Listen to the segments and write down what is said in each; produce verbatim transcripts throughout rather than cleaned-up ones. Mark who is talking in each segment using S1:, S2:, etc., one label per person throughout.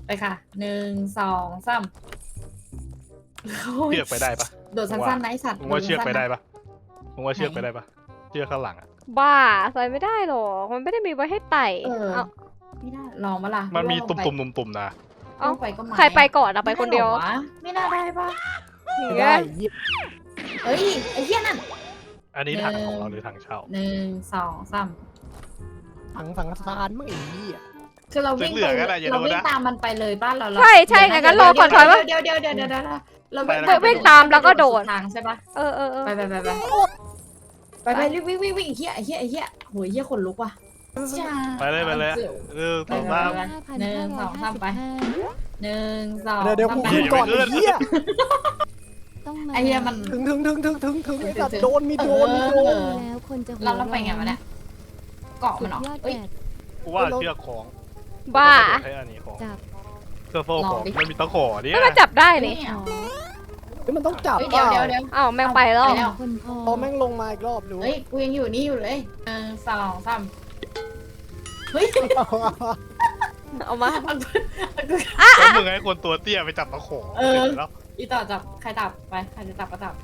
S1: ไปค่ะหนึ่งสองสาม
S2: เชือกไปได้ปะ
S1: โดดสั้นๆนะไอสัตว์
S2: มึงว่าเชือกไปได้ปะมึงว่าเชือกไปได้ปะเชือกข้างหลังอ่ะ
S3: บ้าใส่ไม่ได้หรอกมันไม่ได้มีไว้ให้ไต่
S1: เออ
S3: เอา
S1: ไม่ได้ลองมาล่ะ
S2: มันมีตุ่
S1: ลงไป
S2: มๆตุ่มๆนะ
S1: ลงไปก็ไม่
S3: ใครไปก่อนอะไปคนเดียว
S1: ไม่น่าได้ปะ
S3: อย่าง
S4: ได้
S3: เงี้ย
S1: เอ้ยไอ้เหี้ยนั่น
S2: อันนี้ถังของเราหรือถังเช่า
S1: หนึ่งสองสาม
S4: ถังสังฆทานไม่ไอ้เหี้ย
S1: คือเราวิ่ง
S2: เหลื
S1: ไป
S2: อๆก็ได้อย่า
S1: เรา
S2: โดน
S1: วิ่ง
S2: นะ
S1: ตามมันไปเลยบ้านเรา
S3: ใช่ใช่งั้นรอก่อนถอยว่า
S1: เดี๋ยวเดี๋ยวเดี๋ยวเดี๋ยวเดี๋ยวเรา
S2: ไป
S1: วิ่ง
S2: แล้ว
S3: วิ่งตามแล้วก็โดด
S1: ทางใช่ปะ
S3: เออเออเออ
S1: ไปไปไปไปไปไปรีบวิ่งวิ่งวิ่งไอ้เหี้ยไอ้เหี้ยไอ้เหี้ยโหยเหี้ยขนลุกว่ะ
S2: ไปเลยไปเลยเออต่อมา
S1: หนึ่งสองสามไปหนึ่งสอง
S4: เดี๋ยวเดี๋ยวกู
S1: สาม
S4: ขึ้นก่อนไอ้เหี้ย
S5: ต้องมา
S1: ไอ้เหี้ยมัน
S4: ถึงถึงถึงถึงถึงถึงไอ้สัต
S1: ถึ
S4: ว์
S1: ง
S4: โดนมีโดนมีโดน
S5: แล้วคนจะหัว
S1: เราเราไปไงวะเนี่ยเกาะมันเหรอ
S5: สุดยอด
S1: เอ้ย
S5: แปด
S2: กูว่าเชือกของ
S3: บ้า
S2: ให้อันนี้ของ
S5: จับ
S2: เสื้อโซ่ของ
S1: ลองดิ
S2: มันมีตะขอเนี่ย
S3: ไม่มาจับได้นี่
S5: ขอ
S4: เฮ้ยมันต้องจับ
S1: เฮ้ย
S4: เป
S1: เดี๋ยว
S4: ล่า
S1: เดี๋ยวเดี๋ยว
S3: อ้าวแม่งไปแล้ว
S1: ไปแล้ว
S5: คนพอ
S4: พอแม่งลงมาอีกรอบดู
S1: เฮ้ยกูยังอยู่นี่อยู่เลยหนึ่งสองสามเฮ้ย
S3: เอามา
S2: แล้วมึงให้คนตัวเตี้ยไปจับตะขอ
S1: เออ
S2: เสร็จแล้ว
S1: อีต่อจับใครจับไปใครจะจับก็จับ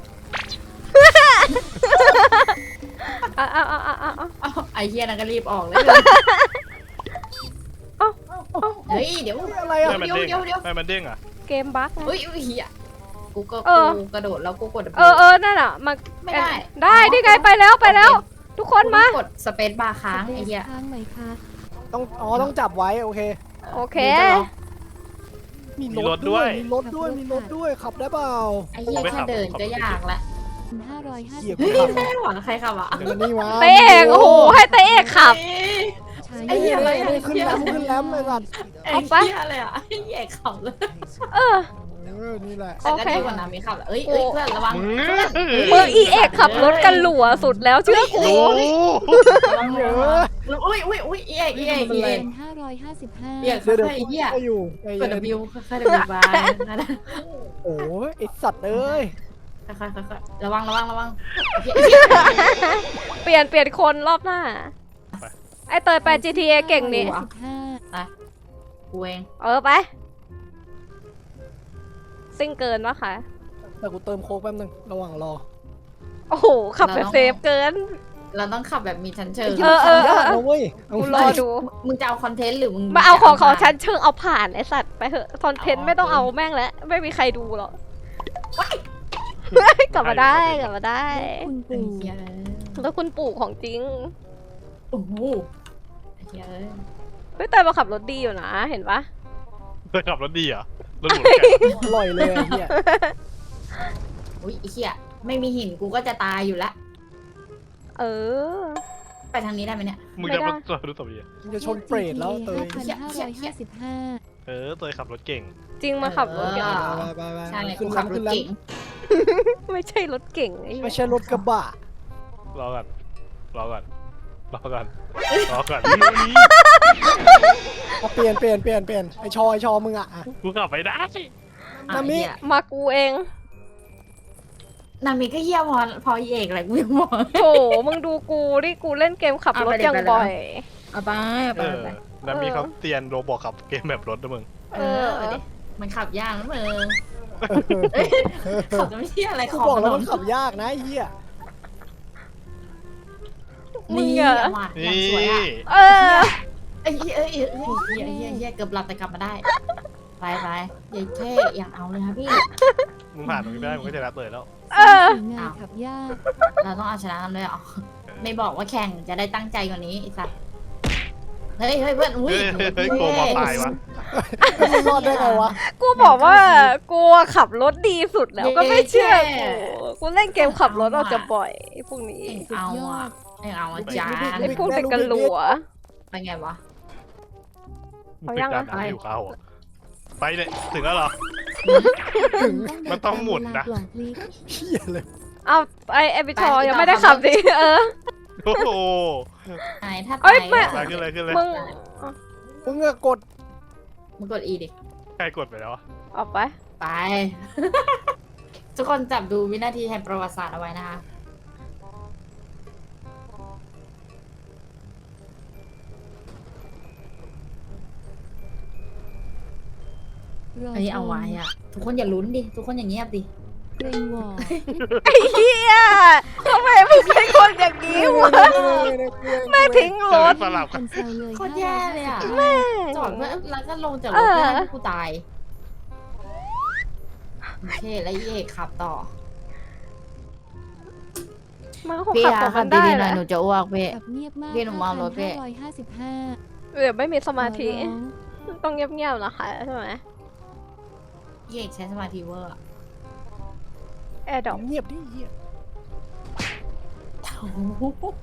S3: เอาเอาเอาเอาเอาเอา
S1: เอ้าไอ้เหี้ยนั่นก็รีบออกเลย
S3: เอ้า
S1: เฮ้ยเดี๋ยว
S4: เฮ้ยอะไร
S2: ไม่
S4: อ่ะ
S2: มันเด้ง
S1: เดี๋ยวเดี๋ยว
S2: ไม่มันเด้งอ่ะ
S3: เกมบั๊กนะ
S1: เฮ้ยเหี้ยกูก็
S3: เออ
S1: กูกระโดดแล้วกูกด
S3: เออเออนั่นอ่ะมา
S1: ไม่ได้
S3: ได้นี่ไงไปแล้วไปแล้ว ทุกคนมา
S1: กดสเปซบาร์ค้างไอ้เหี้ย
S5: ค้างไหมคะ
S4: ต้องอ๋อต้องจับไว้โอเค
S3: โอเค
S4: มีรถด้วยมีรถด้วยมีรถด้วยขับได้เปล่า
S1: ไอ้เหี้ยแค่เดินก็ยากละ
S5: ห้าร้อยห้า
S4: เหี้
S5: สิ
S4: ย
S5: บ
S4: กู
S1: เฮ้ย
S4: ขับ
S1: ไม่หวังใครขับอ่ะ
S4: เดี๋ยวนี่มา
S3: เตะเอกโอ้โหให้เตะเอกขับ
S5: ใช้
S1: ไอ้เหี้ยอะไร
S4: เฮ้ยขึ้นแรมขึ้นแรมเลยสัตว์
S1: ไอ้
S3: เอาไป
S1: เหี้ยอะไรอ่ะไอ้เหี้ยขับเลย
S3: เออ
S4: เออนี่แหละ
S3: โอเค
S1: แต่ก็ดีกว่าน้ำมีขับแหละเอ้ยเอ้ยเพื่อนระวัง
S2: มึง
S1: เพื่อน
S3: มึงอีเอกขับรถกันหลัวสุดแล้วเชื่อกู
S2: รู้
S1: ระวัง
S4: เอ
S1: ระ
S4: อ
S1: วังอุ้ยอุ้ยอุ้ยอีเอกอีเอกอีเอก
S5: เป็นห้าร้อยห้าสิบห้า
S1: เอียก
S4: เดี๋ยวเดี๋ยว
S1: ไอ้เหี้ย
S4: ก็อยู่ใจ
S1: กด
S4: เย็น
S1: W ค่อยๆ W บายนะ
S4: โอ้ยไอสัตว์เอ้ย
S1: ค่อยๆค่อยๆระวังระวังระวัง
S3: เปลี่ยนเปลี่ยนคนรอบหน้า ไอเตยไป จี ที เอ เก่งนี่
S5: สิบห้า
S1: กูเอง
S3: เออไป ซิ่งเกินวะคะ
S4: แต่กูเติมโค้กแป๊บนึงระหว่างรอ
S3: โอ้โห ขับแบบเซฟเกิน
S1: เราต้องขับแบบมีชั้นเชิง
S3: เออเออเออ
S4: นะเว้ยเอา
S3: กูรอดู
S1: มึงจะเอาคอนเทนต์หรือมึง
S3: มาเอาของของฉันเชิงเอาผ่านไอสัตว์ไปเถอะคอนเทนต์ไม่ต้องเอาแม่งแล้ว ไม่มีใครดูหรอกกลับมาได้กลับมาได้
S5: คุณ
S1: ไอ้
S5: ปู่
S1: เหี้ย
S3: แล้วคุณปู่ของจริง
S1: โอ้โหไอ้เหี้ย
S3: เฮ้ยเตยมาขับรถดีอยู่นะ เห็นปะ
S2: เคยขับรถดีเหรอรถหลุดแก
S4: อร่อยเลยไอ้เหี้ย
S1: อุ้ยไอ้เหี้ยไม่มีหินกูก็จะตายอยู่ละ
S3: เออ
S1: ไปทางนี้ได้ไหมเนี่ย
S2: มึงจะมาจอดรถตบดี
S4: มึงจะชนเปรตแล้วเตย
S5: พันห้าร้อยห้าสิบห้า
S2: เออเตยขับรถเก่ง
S3: จริงมาขับรถเก่ง
S1: เออ
S4: ไปไปไป
S1: ใช่
S4: ขึ้
S1: กู
S4: น
S1: ขับ
S4: ลำ
S1: ร
S4: ขึ้
S1: ถ
S4: นล
S1: เก่ง
S3: ไม่ใช่รถเก่งไอ้
S4: ำ
S3: เหี้
S4: ไม่
S3: ย
S4: ใช่รถกระบะ
S2: รอก่อนรอก่อนรอก่อนรอก่อน
S4: เอาเปลี่ยนเปลี่ยนเปลี่ยนเปลี่ยนไอชอไอชอมึงอ่ะอ่ะ
S2: กูขับไม่ได้
S1: อ่ะ
S4: นามิ
S1: ไอ้เหี้ย
S3: มากูเอง
S1: นามิก็เหี้ยพอพออีเอกอะไรกูยังมอง
S3: โถมึงดูกูดิกูเล่นเกมขับรถ
S1: เอาไปดิ
S3: อย่าง
S1: ไปเลย
S3: บ่อย
S1: เอาไปเอา
S2: เอ
S1: ไป
S2: อ
S1: เอาไป
S2: แล้วมีเขาเตียนโรบอกขับเกมแบบรถด้วยมึง
S1: เออเอาดิมันขับยากนะมึงขับจะไม่เที่ยอะไร
S4: กู
S1: ของ
S4: บอกแล้ว
S1: ถ
S4: มัน นขับยากนะไอ้เหี้ย
S3: มึง
S1: นี่
S3: อะ
S1: อะว่ะอย่าง
S2: นี่
S1: สวยอ่ะ
S3: เออ
S1: ไอ้เหี้ยเอ้ยเอ้ยเอ้ยเหี้ยเหี้ยเหี้ยเกือบหลับแต่กลับมาได้ ไปไปเย้เท่อย่างเอาเลยครับพี่
S2: มึงผ่านตรงนี้ได้มึงก็จะรับเตยแล้ว
S3: เออ
S5: งานขับยาก
S1: เราต้องเอาชนะกันด้วยเหรอไม่บอกว่าแข่งจะได้ตั้งใจกว่านี้ไอ้สัสเฮ้ยเฮ้ยเพื่อนอุ้ย
S2: เฮ้ยเฮ้ยโกงมาตายวะ
S4: มึงรอดได้ไงวะ
S3: กูบอกว่ากูขับรถดีสุดแล้วก็ไม่เชื่อกู กูเล่นเกมขับรถออกจะบ่อยพวกนี้
S1: เอาอ่ะไอ้เอาอ่ะจ้า
S3: ไอ้พวกเด็กกันหลัว
S1: ไปไงวะ
S3: เอายังอะ
S2: มึงเป็นการอยู่ข้าวอะไปเนี่ยถึงแล้วเหรอ
S4: ถึง
S2: มันต้องหมุนนะ
S5: กล่องพลิก
S4: เหี้ยเลย
S3: เอาไอเอพิชอยังไม่ได้ขับดิเออ
S2: โอ้โห
S1: ไหนถ้า
S3: เอ้
S1: ตาย ย
S3: ไม่
S2: ไปขึ้นเลยขึ้นเลย
S3: มึง
S4: มึงอะกด
S1: มึงกดอีดิ
S2: ใครกดไปแล้วอะ
S3: ออกไป
S1: ไป ทุกคนจับดูวินาทีแห่งประวัติศาสตร์เอาไว้นะคะ
S5: รอ
S1: เฮ้ยเอาไว้อะทุกคนอย่าลุ้นดิทุกคนอย่างเงียบดิ
S5: เกรงหวอ
S3: ไอ้เหี้ยทำไมมึงเป็นคนอย่างนี้วะแม่ทิ้งร
S2: ร
S3: ถ
S2: ถสลับ
S5: ค
S2: กัน
S5: นแซวเลย
S1: โคตรแย่เลยอะ
S3: แม่
S1: จอดเพื่อแล้วก็ลงจากร
S3: เอ
S1: ถ
S3: อ
S1: เพื่อให้กูตายโอเคแล้วเอกขับต่อ
S3: มันคง
S1: พี่
S3: ขับ
S1: อะ
S3: ต่อ
S1: ขั
S3: กับ น
S1: ดี
S3: ได้
S1: ๆห
S3: แห
S1: น่อย
S3: ละ
S1: หนูจะอ้วกพี่
S5: แบบเงียบมาก
S1: พี่หนูเมารถพี่
S5: ห้าร้อยห้าสิบห้า
S3: เดี๋ยวไม่มีสมาธิ
S5: ขอร้อง
S3: ต้องเงียบๆนะคะใช่ไหม
S1: พี่เอกใช้สมาธิเวอร์อะ
S3: แอร์ดอก
S4: เงียบดิเหี้ย
S1: โอ้โห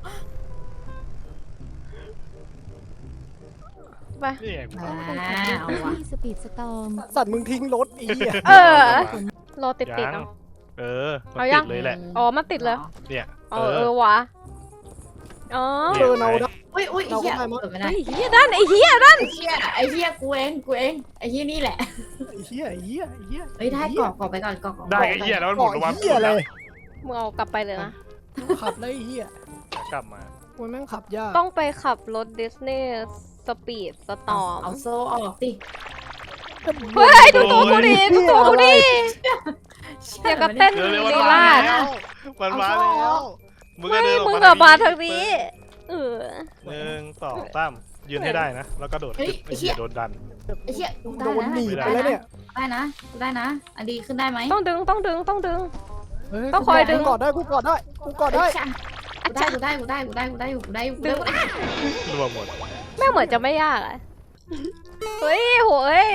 S3: ไป
S2: นี่ไงกู
S1: อ่า
S5: ต้องไปขับรถ
S1: เอาว่ะ
S5: ที่สปีดสตอร์ม
S4: สัตว์มึงทิ้งรถอีอ่ะ
S3: เออ รอติดติด
S2: ยัง
S3: เนาะ
S2: เออมัน
S3: เอายั
S2: ติ
S3: ง
S2: ดเลยแหละ
S3: อ๋อมันติดเลย
S2: เนี่ย
S3: เออเออวะอ๋อ
S4: เออเราได้
S1: อุ้ยอุ้ยไอ้เหี้ย
S4: เราก็ได้มั้ง
S1: เปิดไม่ได้
S3: ไอ้เหี้ยด้านไอ้เหี้ยด้าน
S1: ไอ้เหี้ยไอ้เหี้ยกูเองกูเองไอ้เหี้ยนี่แหละ
S4: ไอ้เหี้ยไอ้เหี้ยไอ้เหี้ย
S1: เฮ้ยได้กรอกกรอกไปก่อนกรอกกรอก
S2: ได้ไอ้เหี้ยแล้วมันห
S4: บ
S2: มุ
S4: อน ก
S2: ลงมา
S4: เหี้ยเลย
S3: มึงเอากลับไปเลยนะ
S4: ขับได้ไอ้เหี้ย
S2: กลับมา
S4: มันแม่งขับยาก
S3: ต้องไปขับรถดิสนีย์สปีดสตอร์ม
S1: เอาโซ่ออกสิ
S3: เฮ้ยดูตัวกูดิดูตัวกูดิเดี๋ยวกับเต้น
S2: เร็วเร็ว
S3: ลี
S2: มันมา
S3: ลาด
S2: แล้วมันมาแล้วมึงก็
S3: ไม่
S2: เดินออก
S3: มึง
S2: มา
S3: กับมาทางนี้เออ
S2: หนึ่งสองสามยืนให้ได้นะแล้วก็โดดขึ้นไอ้เหี้ยโดนดัน
S1: ไอ้เหี้ยกู
S4: โด
S1: ได้
S4: น
S1: นะ
S4: หนี
S2: ไม่
S4: ไป
S2: ได้
S4: แล้วเนี่ย
S1: ได้นะกูได้นะอันดีขึ้นได้ไหม
S3: ต้องดึงต้องดึงต้องดึง
S4: เฮ้ย
S3: ต้องคอยดึง
S4: กูกอดได้กูกอดได้กูกอดได้
S1: กูได้กูได้กูได้กูได้กูได้กูได้กูได้กูได้
S2: รวมหมด
S3: แม่งเหมือนจะไม่ยากอะเฮ้ยโหย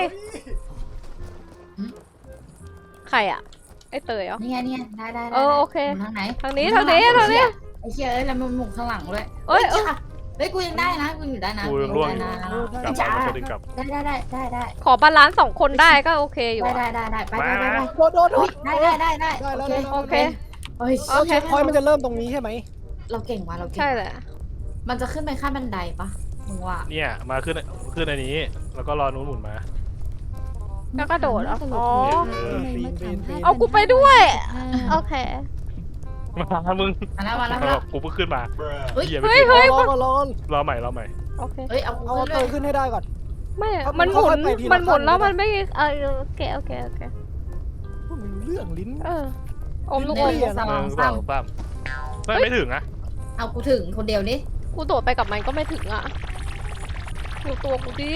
S3: ใครอะไอเตยเหรอ
S1: นี่ไงนี่ไงได้ได้
S3: เออโอเค
S1: ทางไหน
S3: ทางนี้ทางนี้ทางนี้
S1: ไอ้เหี้ยเอ้ยแล้วมันหมุนข้างหลังด้วย
S3: เอ้ยเอ้ย
S1: เฮ้ยกูยังได้นะกูอยู่ได้นะ
S2: กูร่วง
S1: ได้
S2: อยู่
S1: นะ
S2: กลับ
S1: จ้า
S2: มาก็ดึงกลับ
S1: ได้ได้ได้ได้ได้
S3: ขอบาลานซ์สองคนได้ก็โอเคอยู่
S1: ได้
S3: อะ
S1: ได้ได้ได้ไปไปไปไป
S4: โดนโดนโดน
S1: ได้ได้ได้ได้
S4: ได้แล้ว
S3: โอเค
S1: เฮ้ย
S3: โอเค
S4: เช็คพอยต์มันจะเริ่มตรงนี้ใช่ไหม
S1: เราเก่งว่ะเราเก่ง
S3: ใช่แหละ
S1: มันจะขึ้นไปขั้นบันไดปะมึงว่า
S2: เนี่ยมาขึ้นขึ้นอันนี้ แล้วก็รอนู้นหมุนมา
S3: แล้วก็โดดเหรออ๋อ
S5: ทำไมมาถามห้
S3: เอากูไปด้วย
S5: ห้า
S3: โอเค
S2: มามึง
S1: มาแล้วมาแล้วมาแล้ว
S2: กูเพิ่งขึ้นมา
S1: เฮ้ย
S2: เหี้ย
S3: เฮ้
S2: ไม่
S3: ย
S2: ขึ้น
S3: เฮ้ย
S4: รอรอรอ
S2: รอใหม่รอใหม่
S3: โอเค
S1: เฮ้ยเอากู
S4: เอา
S1: ขึ้น
S4: เต
S1: เลย ย
S4: ขึ้นให้ได้ก่อน
S3: ไม่
S4: เอา
S3: มันหมุน
S4: ค่อยๆไปทีละ
S3: มันหมุน
S4: ขั้น
S3: แล้ว
S4: นะ
S3: มันไม่เออโอเคโอเคโอเค
S4: มันเรื่องลิ้น
S3: เอออมลูก
S1: ห
S3: อม
S1: นึ่งส
S2: ห
S1: อ
S2: นึ่
S1: ง
S2: งส
S1: สา
S2: อ
S1: ม
S2: งสามไม่ไม่ถึงอะ
S1: เอากูถึงคนเดียวดิ
S3: กูโดดไปกับมันก็ไม่ถึงอ่ะดูตัวกูดิ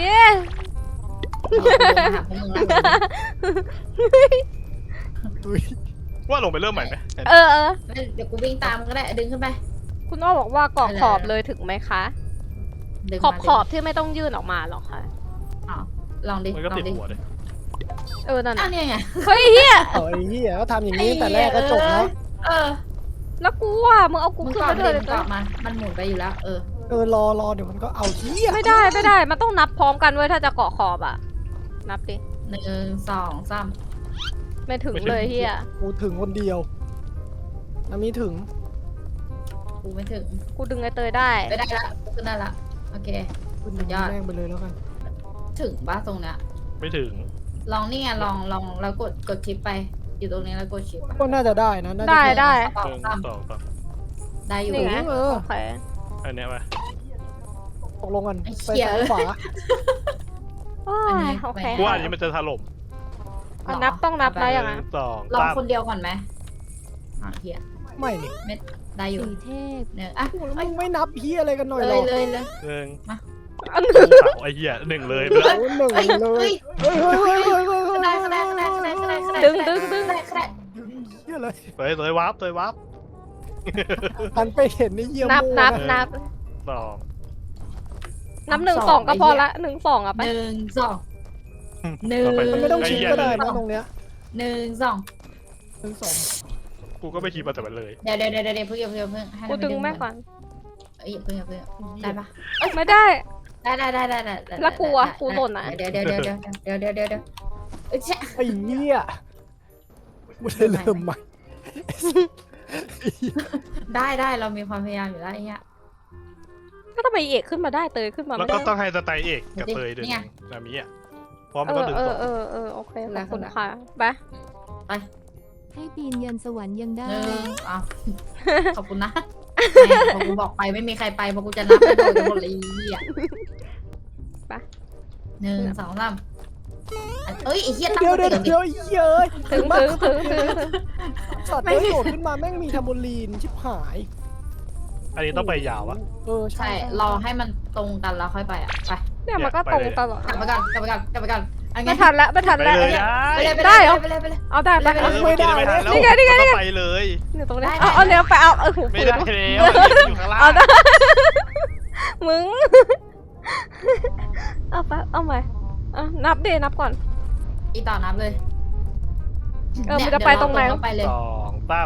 S1: เอากูมาหาพวกมึงแล้ว
S4: อุ้ย
S2: ว่าลงไปเริ่มใหม่ไหม
S3: เออเออ
S1: เดี๋ยวกูวิ่งตามก็ได้ดึงขึ้นไป
S3: คุณอ้อบอกว่าเกาะขอบเลยถึงไหมคะ
S1: ดึง
S3: ขอบ
S1: มา
S3: ขอบที่ไม่ต้องยื่นออกมาหรอกค่ะ
S1: อ้าวลองดิ
S2: มันก็
S1: ลอ
S2: ติด
S1: งดิ
S2: หัวเลย
S3: เออนั่น
S1: อ้า
S3: น่ะ
S1: วเนี่ยไง
S3: เฮ้ยเฮีย
S4: เอาไอ้เหี้ยก็ทำอย่างนี้แต่แรกก็จบแล้ว
S1: เออ
S3: แล้วกูอ่ะมึงเอากู
S1: มึง
S3: ขึ้น
S1: กอ
S3: มา
S1: ด
S3: ด้วย
S1: ดิ
S3: เล
S1: มึ
S3: ย
S1: งกอดมามันหมุนไปอยู่แล้ว เออ
S4: เออรอรอเดี๋ยวมันก็เอาเหี้ย
S3: ไม่ได้ไม่ได้มันต้องนับพร้อมกันเว้ยถ้าจะเกาะขอบอ่ะ นับดิ
S1: หนึ่งสองสาม
S3: ไม่ถึงเลยเฮีย
S4: กูถึงคนเดียวน้ำมีถึง
S1: กูไม่ถึง
S3: กูดึงไอเตยได้
S1: ไปได้ละกูขึ้นได้ละโอเค
S4: ขึ้น
S1: สุดยอด
S4: แม่งไปเลยแล้วกัน
S1: ถึงบ้าตรงเนี้ย
S2: ไม่ถึง
S1: ลองนี่ไงลองลองแล้วกดกดชิปไป อยู่ตรงนี้แล้วกดชิปอะ
S4: ก็น่าจะได้นะน่าจะ
S3: ได้ได้
S1: สอ
S2: ห
S1: ง
S2: นึ่ง
S1: สาม
S2: สองสาม
S1: ได้อยู่
S3: นี่ไง
S4: เออ
S3: โอเค
S2: อันเนี้ยมา
S4: ตกลงกัน
S1: ไอ้
S4: ไป
S1: เหี้ย
S4: ซ้ายขวา
S3: โอ้ยโอเค
S2: กูว่าอันนี้มันจะถล่ม
S3: อ่ะนับต้องนับนะ
S2: ห
S3: อย่าง
S2: นึ่
S3: นั้น
S2: งสอง
S1: ลอง
S2: สาม
S1: คนเดียวก่อนไหมอ่ะเฮีย
S4: ไม่นี่
S1: ได้อยู่
S5: สีเทพ
S1: เนี่ยอ่ะ
S4: โอ้แล้วมึงไม่นับเหี้ยอะไรกันหน่อย
S1: เล
S4: หร
S1: ย
S4: อ
S1: เลยเลย
S2: หนึ่ง
S3: อัน
S2: กูเผาไอ้เหี้ยหนึ่งเลยไป
S4: โอ้
S2: แล้ว
S4: หนึ่ง
S1: เฮ้ย
S4: เล
S1: เฮ้
S4: ย
S1: ย
S4: เฮ้ยเฮ้ยเฮ้ยเฮ้ยเฮ้ย
S1: ขึ้นได้ขึ้นได้ขึ้นได้ขึ้นได้ขึ้นได้ขึ้นได้
S3: ดึงดึงดึง
S1: ขึ้นได้ขึ้นได้
S4: เหี้ยเลย
S2: เตยเตยวาร์ปเตยวาร์ป
S4: หันไปเห็นในเยี่ยม
S3: นับนับ
S2: เออ
S3: นับ
S2: สอง
S3: นับหนึ่งสองก็พอละหนึ่งสองอ่ะไป
S1: หนึ่งสองหนึ่ง
S2: ต่อไป
S4: มันไม่ต้องชิดก็ได้
S2: อ้เหี้
S4: นะ
S2: ย
S4: ตรงเนี้ย
S1: หนึ่งสอง
S4: หนึ่งสอง
S2: กูก็ไม่คิดมาแต่มันเลย
S1: เดี๋ยวเดี๋ยวเดี๋ยวเดี๋ยวเพิ่งเพิ่งเพิ่งให้
S3: กู
S1: มัน
S3: ดึง
S1: ดึง
S3: แม่ก่อน
S1: เอ้ยเพิ่งเพิ่งได้ปะ
S3: ไม่ได้
S1: ได้ได้ได้ได้ได้
S3: แล้วกูอะกูหล่นอะ
S1: เดี๋ยวเดี๋ยวเดี๋ยวเดี๋ยวเดี๋ยวเดี๋ยวเดี๋ยวเดี๋ยวเอ้ย
S4: ไอ้เหี้ยไม่ได้เริ่มใหม่
S1: ได้ได้เรามีความพยายามอยู่แล้วไอ้เงี้ย
S3: ก็ทำไมเอกขึ้นมาได้เตยขึ้นมา
S2: แล้ว
S3: ไม่
S2: ก็
S3: ได้
S2: ต้องให้สไตล์เอกกับ
S1: นี่
S2: เตยด้วย
S1: ไง
S2: นามิอ่ะเพราะมัน
S3: เอ
S2: ก็
S3: อ
S2: ดึง
S3: เอ
S2: ส
S3: อ
S2: อง
S3: เออเออโอเคขอบคุณ
S1: แล้ว
S3: ค่ะไป
S5: ให้ปีนยันสวรรค์ยังได้
S1: หนึ่งอ้าวขอบคุณนะแม่พอกูบอกไปไม่มีใครไปเพราะกูจะนับไปโดนกันหมดเลยไอ้เหี้ย
S3: ไป
S1: หนึ่งสองสามอันเอ้ยไอ้เหี้ยตั้ง
S4: เดี๋ยว
S1: ส
S4: เดี๋ยว
S1: ติก่อนดิ
S4: เดี๋ยวเย้ย
S3: ถึงถึงถึงถึงถึง
S4: สัตว์
S1: ไม่
S4: เอ้ยโดดขึ้นมาแม่งมีแทมโบลีนชิบหาย
S2: อันนี้ต้องไปยาวอะ
S4: เออใช่
S1: ใช่รอให้มันตรงกันแล้วค่อยไปอ่ะไป
S3: เนี่ยมันก็ตรงตลอด
S1: กลับไปก่อนกลับไปก่อนกลับไปก่อนอันไง
S3: ไม่ทันแล้วไม่ทัน
S2: ไป
S3: แล้ว
S2: เลย
S1: ไปเลยไป
S3: ได้
S1: เลย
S3: เหรอ
S1: ไปเลยไปเลย
S3: เอาได้ไป
S1: ไม่
S2: เอ
S1: ได้
S2: อเมื่อกี้ไม่ทันแล้ว
S3: นี่ไงนี่ไงนี่ไง
S2: ก็ไปเลย
S3: อยู่ตรงนี้
S1: ได้
S3: เอา
S1: ได้
S3: เอาเนี้ยไปเอาเออหู
S2: ไม่
S3: ฝืน
S2: ได้แล้วอยู่ข้างล่าง
S3: เอาได้ มึง เอาไปเอาใหม่อ่ะนับดินับก่อน
S1: อีต่อนับเลย
S3: เออมันจะไปตรงไหน
S1: เดี๋ยวเาไปเลย
S2: สองตั้ม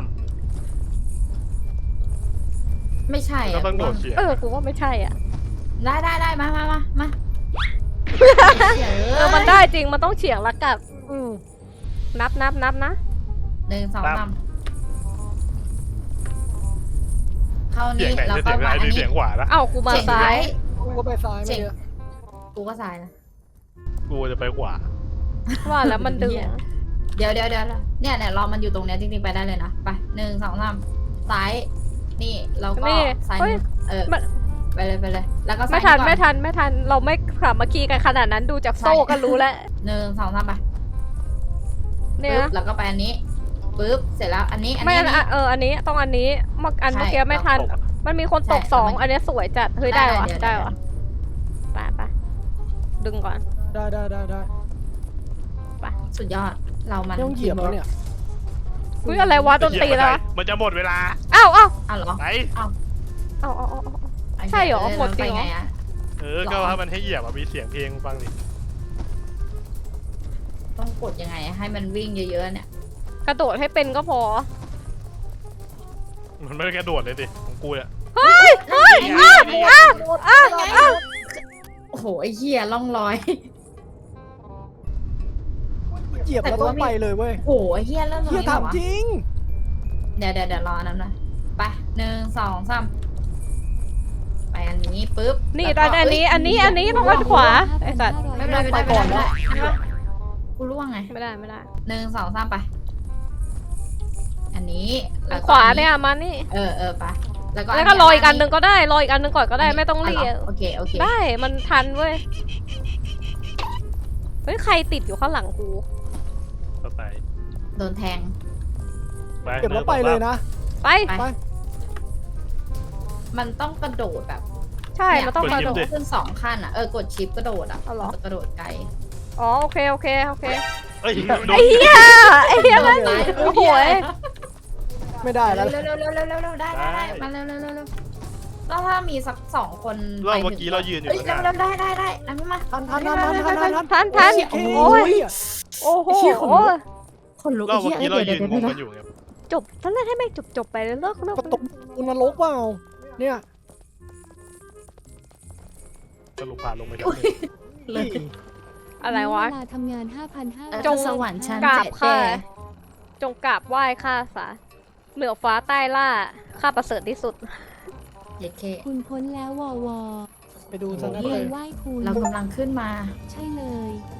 S1: ไม่ใช่
S2: ก็
S1: อ่ะ
S2: ต้องโดดเฉียง
S3: เออกูว่าไม่ใช่อ่ะ
S1: ได้ได้ได้มามามามา
S3: เออมันได้จริงมันต้องเฉียงละกับ
S4: อืม
S3: นับนับนับนะ
S1: หนึ่งสองสามเข้า
S2: เสีย
S1: นี้
S2: งไหน
S1: แล้ว
S2: จะ
S1: ก็
S2: เสียง
S1: มา
S2: ซ้ายห
S1: อั
S2: รื
S1: น
S2: อ
S1: นี้
S2: เสียงขวานะ
S3: เอ้ากูมา
S1: เจ๋ง
S3: ซ้าย
S4: กูก็ไปซ้ายไม่เยอะ
S1: กูก็ซ้ายนะ
S2: กูจะไปขวา
S3: ว่าแล้วมันดึง
S1: เดี๋ยวเดี๋ยวเดี๋ยวเนี่ยเนี่ยรอมันอยู่ตรงเนี้ยจริงๆไปได้เลยนะไปหนึ่งสองสามซ้ายนี่แล้วก็
S3: นี่
S1: ซ้าย
S3: เฮ้ย
S1: เออ
S3: มัน
S1: ไปเลยไปเลย แล้วก็ซ้าย
S3: ไม่ทัน
S1: ก่อ
S3: ไม่ทันไม่ทันเราไม่สามัคคีกันขนาดนั้นดูจากโซ่ก็รู้แล้ว
S1: หนึ่งสองสามไป
S3: เนี่ย
S1: ปึ๊บ
S3: นะ
S1: แล้วก็ไปอันนี้ปึ๊บเสร็จแล้วอันนี้อัน
S3: ไม่
S1: นี้
S3: อันอ่ะเอออันนี้ต้องอันนี้เมื่ออัน
S1: ใช่
S3: เมื่อกี้ไม่ทัน
S2: ตกอะ
S3: มันมีคนตก
S1: ใช่
S3: สอง
S1: มัน
S3: อันเนี้ยสวยจัดเฮ้ยได้วะ
S1: เยว
S3: ได้
S1: เยว
S3: ะไปไปดึงก่อน
S4: ได้ได้ได้ได้
S1: สุดยอดเรามัน
S4: ต้องเหยียบแล้วเนี่ย
S3: อุ้ยอะไรวะโดนตีแล้ววะ
S2: มันจะหมดเวลา
S3: อ้าวอ้าว
S1: อ้าวเหรอ
S2: ไหน
S3: อ้าวอ้าวอ้าวอ้าว
S1: โอเค
S3: ใช่เหรอ
S1: แล้ว
S3: หมดจริงเหรอ
S1: ไปไงอะ
S2: เออ ก็ว่ามันให้เหยียบอะมีเสียงเพลงฟังดิ
S1: ต้องกดยังไงให้มันวิ่งเยอะๆเนี่ย
S3: กระโดดให้เป็นก็พอ
S2: มันไม่ได้กระโดดเลยดิของกูอะ
S3: เฮ้ยเฮ้ย
S2: นี่ไงนี่ไง
S3: อ้าวอ้าวอ้าว
S1: โอ้โหไอ้เหี้ยล่องลอย
S4: เหยียบแล้วต้องไปเลยเว้ย
S1: โอ้โหไอ้เหี้ยเริ่มตรง
S4: เฮีย
S1: นี้เหร
S4: ถาม
S1: อวะ
S4: จริง
S1: เดี๋ยวเดี๋ยวเดี๋ยวรออันนั้นหน่อยไปหนึ่งสองสามไปอันนี้ปุ๊บ
S3: นี่
S1: แล้ว
S3: ต
S1: ก็
S3: อนอันนี้
S1: เย
S3: อันนี้อันนี้ต้องด้านขวาไอ้สัตว์
S1: ไม่เป็นไรไม่เป็นไรไม่เป็นไรไม่เป็นไรกูร่วงไง
S3: ไม่ได้ไม่ได้
S1: หนึ่งสองสามไป อันนี้แล้วก็
S3: ขวา
S1: อั
S3: เนี่ยมานี่
S1: เออเออไปแล้วก็
S3: แล้วก็รออีกอันหนึ่งก็ได้รออีกอันหนึ่งก่อนก็ได้ไม่ต้องรีบ
S1: ะโอเคโอเค
S3: ได้มันทันเว้ยเฮ้ยใครติดอยู่ข้างหลังกู
S2: ต่อไป
S1: โดนแทง
S2: ไป
S4: เก็บแล้วไปเลยนะ
S3: ไป
S1: ไป
S4: ไป
S1: มันต้องกระโดดแบบ
S3: ใช่มันต้อง
S1: ก
S3: ก
S1: ระ
S3: ระ
S1: โด
S3: โด
S1: ด
S3: ด
S1: ขึ้นสองขั้นอ่ะเออกดชิปกระโดดอ่ะ
S3: เอาเหรอ
S1: มันจะกระโดดไกล
S3: อ๋อโอเคโอเคโอเค
S2: เอ้ยโด
S3: ไอ้
S2: น
S3: เหี้ยไอ้เหี้ย
S1: โด
S3: มัน
S1: นตาย
S3: โอ้โหย
S4: ไม่ได้แล้ว
S1: เร็วเร็วเร็วเร็วเร็วเร็วได้ได้ได้มาเร็วเร็วเร็วเร็วแล้วถ้ามีสักสองคน
S2: รอบเมื่อกี้เรายืนอยู่
S1: เอ้ย
S2: ข้างห
S1: เร็ว
S2: น้า
S1: เร็วได้ได้ได้อันนี้มา
S4: ทันทันทันทันทันทันทัน
S3: ทันทัน
S4: โอ้
S3: โอ้ย
S4: ย
S3: โอ้โห
S1: ไอ้เหี้ยขนลุก คนลุก
S2: รอบ
S1: ไอ้
S2: เมื่
S1: เหี้
S2: อย กี้เรา
S1: เดี๋
S2: ยื
S1: ยวน เดี๋ยว
S2: ง
S1: เดี๋ยว
S2: งกันอยู่ไง
S3: จบท่านแรกให้แม่งจบจบไปเลยเลิกเลิก
S4: ประตูนรกเปล่าเนี่ย
S2: สรุปผ่านลงไปแล้ว
S1: เลย
S3: อะไรวะ
S5: เวลาทำงาน ห้าพันห้าร้อย
S3: จง
S1: สวรรค์ชั้น
S3: กราบ
S1: เจ็ด
S3: ค่ะ
S1: แด่
S3: จงกราบไหว้ข้าสาเหนือฟ้าใต้ล่าข้าประเสริฐที่สุด
S1: เย็ดเค
S5: คุณพ้นแล้ววอวอ
S4: ไปดูซะนะ
S5: เลยไหว้คุณ
S1: เรากำลังขึ้นมา
S5: ใช่เลย